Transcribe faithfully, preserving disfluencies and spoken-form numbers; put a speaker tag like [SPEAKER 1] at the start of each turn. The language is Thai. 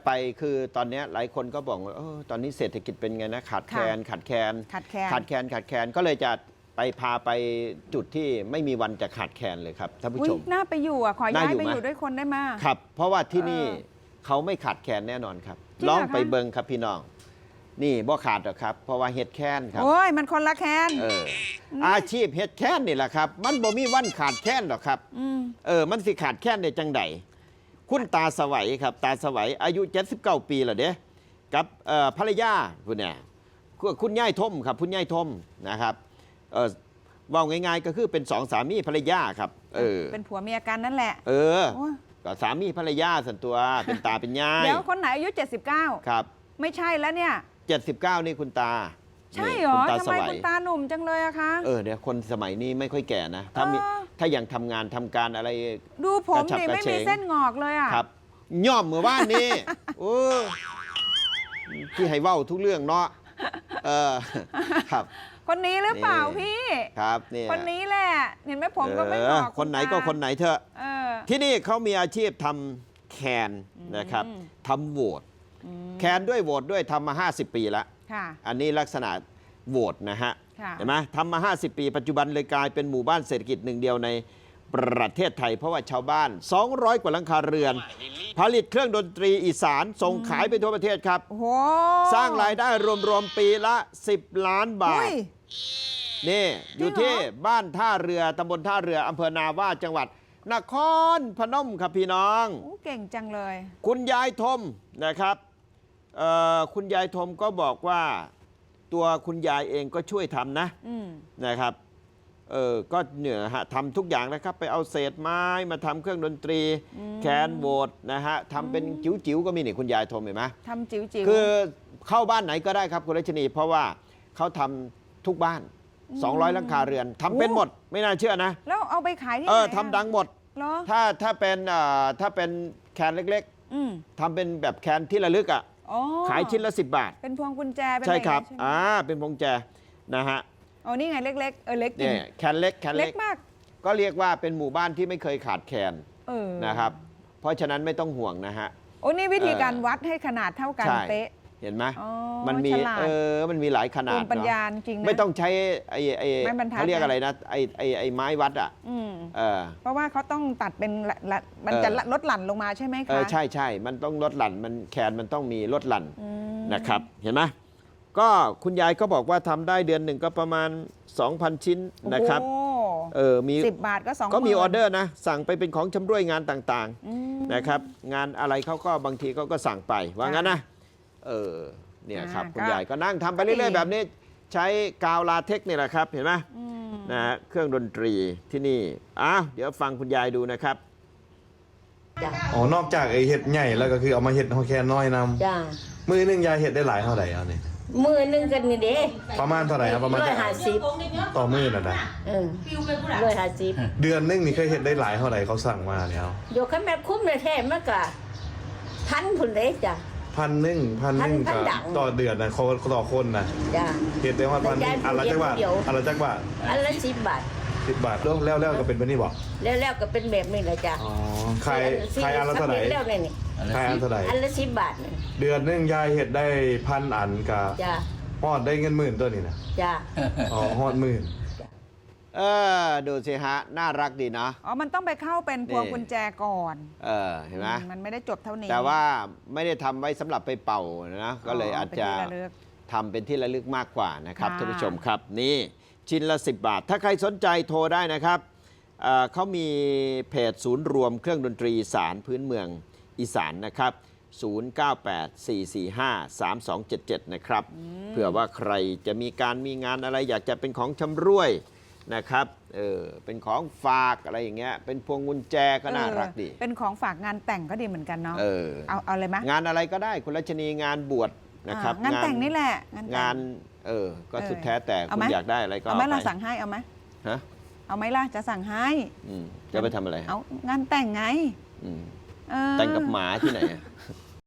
[SPEAKER 1] ไปคือตอนนี้หลายคนก็บอกว่าตอนนี้เศรษฐกิจเป็นไงนะขาดแคลนขาดแคลน
[SPEAKER 2] ขาดแคลน
[SPEAKER 1] ขาดแคลนขาดแคลนก็เลยจะไปพาไปจุดที่ไม่มีวันจะขาดแคลนเลยครับท่านผู้ชม
[SPEAKER 2] น่าไปอยู่อ่ะขอย้ายไปอยู่ด้วยคนได้มา
[SPEAKER 1] ครับเพราะว่าที่นี่
[SPEAKER 2] เออ
[SPEAKER 1] เขาไม่ขาดแคลนแน่นอนครับ
[SPEAKER 2] จริงเหร
[SPEAKER 1] ล
[SPEAKER 2] อ
[SPEAKER 1] องไป
[SPEAKER 2] คะ
[SPEAKER 1] เบิงครับพี่น้องนี่บ่ขาดหรอกครับ เพราะว่าเฮ็ดแค้นครับ
[SPEAKER 2] โอ้ยมันคนละแคน
[SPEAKER 1] เอออาชีพเฮ็ดแค้นนี่แหละครับ มันบ่มีวันขาดแค้นหรอกครับ
[SPEAKER 2] อืม
[SPEAKER 1] เออมันสิขาดแค้นได้จังใดคุณตาสวัยครับ ตาสวัยอายุเจ็ดสิบเก้าปีแล้วเด้กับเอ่อภรรยาคุณเนี่ยคุณย่ายทมครับคุณย่ายทมนะครับเออว่าง่ายๆก็คือเป็นสองสามีภรรยาครับเออ
[SPEAKER 2] เป็นผัวเมียกันนั่นแหละ
[SPEAKER 1] เออ
[SPEAKER 2] โอ้ย
[SPEAKER 1] ก็สามีภรรยาส่วนตัวเป็นตาเป็นยาย
[SPEAKER 2] เดี๋ยวคนไหนอายุเจ็ดสิบเก้า
[SPEAKER 1] ครับ
[SPEAKER 2] ไม่ใช่แล้วเนี่ย
[SPEAKER 1] เจ็ดสิบเก้านี่คุณตา
[SPEAKER 2] ใช่
[SPEAKER 1] นี่
[SPEAKER 2] เหรอ
[SPEAKER 1] คุณตา
[SPEAKER 2] ทำ
[SPEAKER 1] ส
[SPEAKER 2] ไม
[SPEAKER 1] วั
[SPEAKER 2] คุ
[SPEAKER 1] ย
[SPEAKER 2] ณตาหนุ่มจังเลยอะคะ
[SPEAKER 1] เออเดี๋ยวคนสมัยนี้ไม่ค่อยแก่นะ ถ้ามี
[SPEAKER 2] เออ ถ้า
[SPEAKER 1] ถ้ายังทำงานทำการอะไร
[SPEAKER 2] ดูผม
[SPEAKER 1] กระฉับ
[SPEAKER 2] ดิ
[SPEAKER 1] กระ
[SPEAKER 2] ไม่
[SPEAKER 1] เฉ
[SPEAKER 2] มี
[SPEAKER 1] ง
[SPEAKER 2] เส้นงอกเลยอะ
[SPEAKER 1] ครับย่อมเมื่อวานนี้ โอ้ที่ให้เว้าทุกเรื่องเนาะเออครับ
[SPEAKER 2] คนนี้หรือเปล่า
[SPEAKER 1] นี่
[SPEAKER 2] พี่
[SPEAKER 1] ครับเนี่ย
[SPEAKER 2] คนนี้แหละเห็นไหมผมก็ไม่งอก
[SPEAKER 1] เออคนไหน
[SPEAKER 2] ณตา
[SPEAKER 1] ก็คนไหนเถอะ
[SPEAKER 2] เออ
[SPEAKER 1] ที่นี่เขามีอาชีพทำแคนนะครับ
[SPEAKER 2] อืม
[SPEAKER 1] ทำโหวต
[SPEAKER 2] อืม
[SPEAKER 1] แคนด้วยโหวตด้วยทำมาห้าสิบปีแล้ว
[SPEAKER 2] ค่ะ
[SPEAKER 1] อันนี้ลักษณะโหวตนะฮะ
[SPEAKER 2] ค่ะ
[SPEAKER 1] เห็นไหมทำมา ห้าสิบ ปี ปัจจุบันเลยกลายเป็นหมู่บ้านเศรษฐกิจหนึ่งเดียวในประเทศไทย เพราะว่าชาวบ้าน สองร้อย กว่าหลังคาเรือน ผลิตเครื่องดนตรีอีสานส่งขายไปทั่วประเทศครับ
[SPEAKER 2] โอ้โห
[SPEAKER 1] สร้างรายได้รวมๆปีละ สิบ ล้านบา
[SPEAKER 2] อุ้
[SPEAKER 1] ท
[SPEAKER 2] ย
[SPEAKER 1] นี่อยู่
[SPEAKER 2] จริงเหรอ
[SPEAKER 1] ที่บ้านท่าเรือตำบลท่าเรืออำเภอนาว่าจังหวัดนครพนมครับพี่น้อง
[SPEAKER 2] โอ้เก่งจังเลย
[SPEAKER 1] คุณยายทมนะครับเอ่อคุณยายทมก็บอกว่าตัวคุณยายเองก็ช่วยทำนะ
[SPEAKER 2] อืม
[SPEAKER 1] นะครับเออก็เนี่ยฮะทำทุกอย่างนะครับ ไปเอาเศษไม้มาทำเครื่องดนตรี แคนโบดนะฮะทำเป็นจิ๋วๆก็มีนี่คุณยายทมเห็นไหม
[SPEAKER 2] ทำจิ๋วจิ๋ว
[SPEAKER 1] คือเข้าบ้านไหนก็ได้ครับคุณรัชนี เพราะว่าเขาทำทุกบ้าน สองร้อย หลังคาเรือนทำเป็นหมดไม่น่าเชื่อนะ
[SPEAKER 2] แล้วเอาไปขายที่ไห
[SPEAKER 1] เอน อ
[SPEAKER 2] อะ
[SPEAKER 1] ทำดังหมด
[SPEAKER 2] เหรอ
[SPEAKER 1] ถ้าถ้าเป็นเอ่อถ้าเป็นแคนเล็ก
[SPEAKER 2] อืม
[SPEAKER 1] ๆทำเป็นแบบแคนที่ระลึกอ่ะ
[SPEAKER 2] อ๋อ
[SPEAKER 1] ขายชิ้นละสิบบาท
[SPEAKER 2] เป็นพวงกุญแจเป็น
[SPEAKER 1] ใช่ครับ
[SPEAKER 2] อะไอย่าง
[SPEAKER 1] อ่า
[SPEAKER 2] เงี้ยใช่ไหม
[SPEAKER 1] เป็นพวงแจนะฮะ
[SPEAKER 2] อ๋อนี่ไงเล็กๆเออเล็กจริ
[SPEAKER 1] เนี่
[SPEAKER 2] ง
[SPEAKER 1] ยแคนเล็กแคน
[SPEAKER 2] เล็
[SPEAKER 1] เล็
[SPEAKER 2] ก
[SPEAKER 1] ก
[SPEAKER 2] มาก
[SPEAKER 1] ก็เรียกว่าเป็นหมู่บ้านที่ไม่เคยขาดแคลน
[SPEAKER 2] เออ
[SPEAKER 1] นะครับ เพราะฉะนั้นไม่ต้องห่วงนะฮะ
[SPEAKER 2] โอ้นี่วิธีการ
[SPEAKER 1] เออ
[SPEAKER 2] วัดให้ขนาดเท่ากัน
[SPEAKER 1] ใช่
[SPEAKER 2] เป๊ะ
[SPEAKER 1] เห็นไหม
[SPEAKER 2] อ๋อ
[SPEAKER 1] มันมี
[SPEAKER 2] ฉลาด
[SPEAKER 1] เออมันมีหลายขนา
[SPEAKER 2] ภู
[SPEAKER 1] ด
[SPEAKER 2] มิปัญญา
[SPEAKER 1] เนอะ
[SPEAKER 2] จริงนะ
[SPEAKER 1] ไม่ต้องใช้ไอ้ไอ้
[SPEAKER 2] ไม้บรรทัด
[SPEAKER 1] เขาเรียก
[SPEAKER 2] นะ
[SPEAKER 1] อะไรนะไอ้ไอ้ไอ้ไม้วัดอ่ะ
[SPEAKER 2] อืม
[SPEAKER 1] เออ
[SPEAKER 2] เพราะว่าเขาต้องตัดเป็นละละมัน
[SPEAKER 1] เออ
[SPEAKER 2] จะละลดหลั่นลงมาใช่ไหม
[SPEAKER 1] เอ
[SPEAKER 2] คะ
[SPEAKER 1] อใช่ใช่มันต้องลดหลั่นมันแคนมันต้องมีลดหลั่น
[SPEAKER 2] อืม
[SPEAKER 1] นะครับ เห็นไหมก็คุณยายก็บอกว่าทำได้เดือนหนึ่งก็ประมาณ สองพัน ชิ้นนะครับ
[SPEAKER 2] โอ้
[SPEAKER 1] เออมี
[SPEAKER 2] สิบบาทก็สอง
[SPEAKER 1] ก็มี
[SPEAKER 2] หน
[SPEAKER 1] ออเดอร์นะ สั่งไปเป็นของชำร่วยงานต่าง
[SPEAKER 2] อืม
[SPEAKER 1] ๆนะครับ งานอะไรเขาก็บางทีเขาก็สั่งไปว่างั้นนะเออเนี่ยครับ
[SPEAKER 2] อ่า
[SPEAKER 1] คุณ
[SPEAKER 2] ก็
[SPEAKER 1] ยายก็นั่งทำไป
[SPEAKER 2] ก็ดี
[SPEAKER 1] เรื่อยๆแบบนี้ใช้กาวลาเทคนี่แหละครับเห็นไหม
[SPEAKER 2] อืม
[SPEAKER 1] นะฮะเครื่องดนตรีที่นี่อ้าวเดี๋ยวฟังคุณยายดูนะครับ
[SPEAKER 3] จ้ะ
[SPEAKER 4] อ๋อนอกจากไอเห็ดใหญ่แล้วก็คือเอามาเห็ดฮอแคนน้อยน
[SPEAKER 3] จ้า
[SPEAKER 4] ำมือหนึงยายเห็ดได้หลายเท่าไหร่เอาเนี่ย
[SPEAKER 3] มือหนึงกันนี่เด้
[SPEAKER 4] ประมาณเท่าไหร่ครับประมาณ
[SPEAKER 3] ร้อยห้าสิบ
[SPEAKER 4] ต่อมือน่ะนะ
[SPEAKER 3] เออร้อยห้าสิบ
[SPEAKER 4] เดือนหนึงนี่เคยเห็ดได้หลายเท่าไหร่เขาสั่งมาเนี่ยเอา
[SPEAKER 3] โยกขั้นแม่คุ้มเลยแท้มันก็พันพุ่นเลยจ้ะ
[SPEAKER 4] พันหนึ่งพันหนึ่ง
[SPEAKER 3] พัน
[SPEAKER 4] ก็
[SPEAKER 3] ดัง
[SPEAKER 4] ต่อเดือนนะคนต่อคนนะ
[SPEAKER 3] จ้า
[SPEAKER 4] เห็ดได้ว่าพันหนึ่ง
[SPEAKER 3] แต่ยาย
[SPEAKER 4] อันละจักบาท
[SPEAKER 3] เดียว
[SPEAKER 4] อันละจักบาท
[SPEAKER 3] อันละสิบบาท
[SPEAKER 4] สิบบาทแล้วแล้วแล้วก็เป็นแบบนี้บอก
[SPEAKER 3] แล้วแล้วก็เป็นแบบนี้แหละจ้ะ
[SPEAKER 4] อ๋อขายขายอันละเท่าไหร่
[SPEAKER 3] แล้วเนี่ยนี่
[SPEAKER 4] ขายอันเท่าไหร่
[SPEAKER 3] อันละสิบบาทนี่
[SPEAKER 4] เดือนหนึงยายเห็ดได้พันอันกับ
[SPEAKER 3] จ้า
[SPEAKER 4] ฮอดได้เงินหมื่นตัวนี่นะ
[SPEAKER 3] จ้า
[SPEAKER 4] อ๋อฮอดหมื่น
[SPEAKER 1] เออดูสิฮะน่ารักดีนะ
[SPEAKER 2] อ๋อมันต้องไปเข้าเป็นพวง
[SPEAKER 1] นี่
[SPEAKER 2] กุญแจก่อน
[SPEAKER 1] เออเห็นไหม
[SPEAKER 2] อืมมันไม่ได้จบเท่านี้
[SPEAKER 1] แต่ว่าไม่ได้ทำไว้สำหรับไปเป่านะก็เลยอาจจะ
[SPEAKER 2] เป็นที่ระลึก
[SPEAKER 1] ทำเป็นที่ระลึกมากกว่านะครับ
[SPEAKER 2] ค่ะ
[SPEAKER 1] ท่านผู้ชมครับนี่ชิ้นละ สิบบาท ถ้าใครสนใจโทรได้นะครับเอ่อเขามีเพจศูนย์รวมเครื่องดนตรีอีสานพื้นเมืองอีสานนะครับ ศูนย์ เก้า แปด สี่ สี่ ห้า สาม สอง เจ็ด เจ็ด นะครับเผื่อว่าใครจะมีการมีงานอะไรอยากจะเป็นของชำร่วยนะครับเออเป็นของฝากอะไรอย่างเงี้ยเป็นพวงกุญแจก็น่ารักดี
[SPEAKER 2] เออเป็นของฝากงานแต่งก็ดีเหมือนกันเนาะ
[SPEAKER 1] เออ
[SPEAKER 2] เอาเอาเลยไหม
[SPEAKER 1] งานอะไรก็ได้คุณรัชนีงานบวชนะครับ
[SPEAKER 2] อ่างานแต่งนี่แหละงานแต่
[SPEAKER 1] งานเออก็สุดแท้แต่
[SPEAKER 2] เอา
[SPEAKER 1] คุ
[SPEAKER 2] ไห
[SPEAKER 1] ณ
[SPEAKER 2] ม
[SPEAKER 1] อยากได้อะไรก็
[SPEAKER 2] เอา
[SPEAKER 1] เอา
[SPEAKER 2] ไหม
[SPEAKER 1] ไป
[SPEAKER 2] เราสั่งให้เอาไหม
[SPEAKER 1] ฮะ
[SPEAKER 2] เอาไหมล่ะจะสั่งให้
[SPEAKER 1] อืมจะไปทำอะไร
[SPEAKER 2] เอางานแต่งไง
[SPEAKER 1] อืม
[SPEAKER 2] เออ
[SPEAKER 1] แต่งกับหมาที่ไหนอะ